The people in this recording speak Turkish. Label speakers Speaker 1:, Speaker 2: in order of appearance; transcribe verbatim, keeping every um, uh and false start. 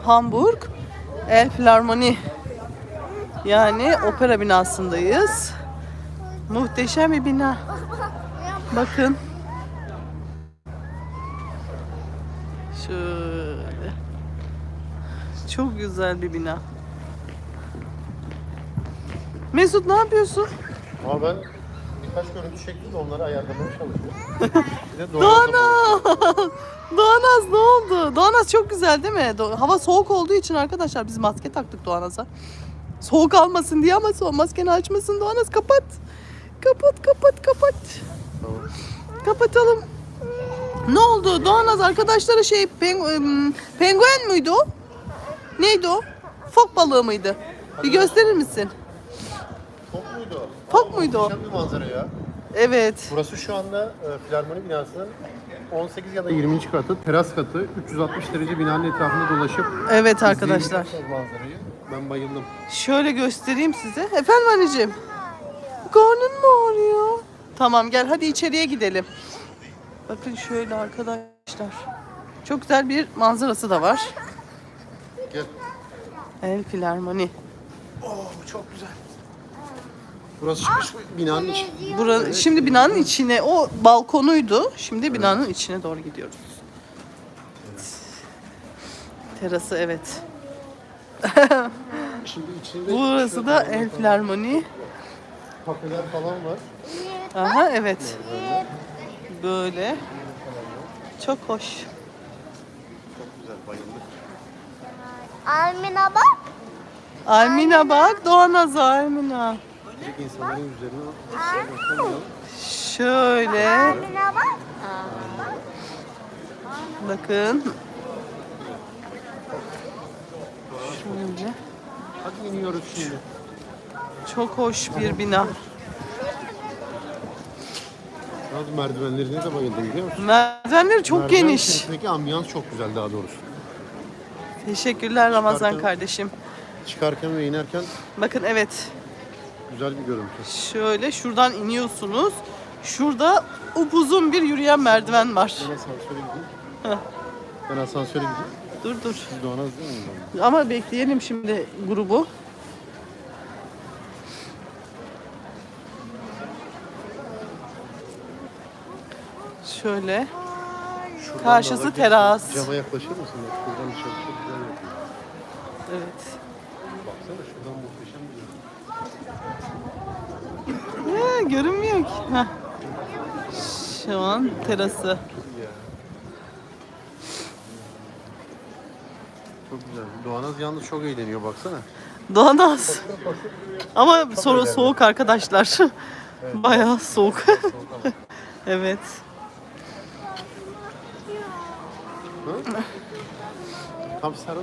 Speaker 1: Hamburg Elbphilharmonie. Yani opera binasındayız. Muhteşem bir bina. Bakın. Şöyle. Çok güzel bir bina. Mesut ne yapıyorsun?
Speaker 2: Ama ben birkaç görüntü çektim de onları ayarlamaya çalışıyorum. Bir de
Speaker 1: Doğanaz! Doğanaz ne oldu? Doğanaz çok güzel değil mi? Do- Hava soğuk olduğu için arkadaşlar biz maske taktık Doğanaz'a. Soğuk almasın diye ama so maskeni açmasın Doğanaz, kapat. Kapat kapat kapat.
Speaker 2: Tamam.
Speaker 1: Kapatalım. Ne oldu? Doğanaz arkadaşları şey peng- penguen müydü o? Neydi o? Fok balığı mıydı? Bir gösterir misin?
Speaker 2: Fok muydu o?
Speaker 1: Fok
Speaker 2: Aa,
Speaker 1: muydu o?
Speaker 2: muhteşem bir manzara ya.
Speaker 1: Evet.
Speaker 2: Burası şu anda e, Filarmoni binasının on sekiz ya da yirminci katı, teras katı. üç yüz altmış derece binanın etrafında dolaşıp
Speaker 1: Evet arkadaşlar.
Speaker 2: izleyebilirsiniz manzarayı. Ben bayıldım.
Speaker 1: Şöyle göstereyim size. Efendim anneciğim. Karnın mı ağrıyor? Tamam gel hadi içeriye gidelim. Bakın şöyle arkadaşlar. Çok güzel bir manzarası da var.
Speaker 2: Gel.
Speaker 1: Elbphilharmonie.
Speaker 2: Oo, çok güzel. Burası çıkış binanın içi.
Speaker 1: Bura, şimdi binanın içine, o balkonuydu. Şimdi binanın içine doğru gidiyoruz.
Speaker 2: Evet.
Speaker 1: Terası evet.
Speaker 2: Şimdi içinde
Speaker 1: Burası
Speaker 2: şöyle
Speaker 1: da
Speaker 2: kafeler
Speaker 1: Elbphilharmonie.
Speaker 2: falan- Kafeler falan var.
Speaker 1: Aha evet. Böyle. Çok hoş.
Speaker 2: Çok güzel, bayıldık.
Speaker 3: Almina bak.
Speaker 1: Almina bak, Doğanaz Almina.
Speaker 2: Direkt insanların yüzlerine bakalım.
Speaker 1: Şöyle.
Speaker 3: Almina bak.
Speaker 1: Bakın. Şöyle.
Speaker 2: Hadi iniyoruz şimdi.
Speaker 1: Çok hoş bir bina.
Speaker 2: Yalnız merdivenlerine de bayıldım biliyor musun?
Speaker 1: Merdivenleri çok
Speaker 2: Merdiven
Speaker 1: geniş.
Speaker 2: içerisindeki ambiyans çok güzel daha doğrusu.
Speaker 1: Teşekkürler Ramazan
Speaker 2: Çıkarken-
Speaker 1: kardeşim.
Speaker 2: Çıkarken ve inerken
Speaker 1: Bakın evet.
Speaker 2: güzel bir görüntü.
Speaker 1: Şöyle şuradan iniyorsunuz. Şurada upuzun bir yürüyen merdiven var.
Speaker 2: Ben asansöre gideyim.
Speaker 1: Heh.
Speaker 2: Ben asansöre gideyim.
Speaker 1: Dur dur.
Speaker 2: Siz de ona değil mi?
Speaker 1: Ama bekleyelim şimdi grubu. Şöyle.
Speaker 2: Şuradan
Speaker 1: Karşısı
Speaker 2: da alabilirsin.
Speaker 1: teras.
Speaker 2: Cama yaklaşır mısın? Bak şuradan dışarı çok güzel yapıyor.
Speaker 1: Evet.
Speaker 2: Baksana şuradan muhteşem bir görüntü.
Speaker 1: Ya, görünmüyor ki. Heh. Şu an terası.
Speaker 2: Ya. Çok güzel. Doğanaz yalnız çok eğleniyor baksana.
Speaker 1: Doğanaz. Ama sonra soğuk arkadaşlar. Bayağı soğuk. Evet.
Speaker 2: Tam sarıl.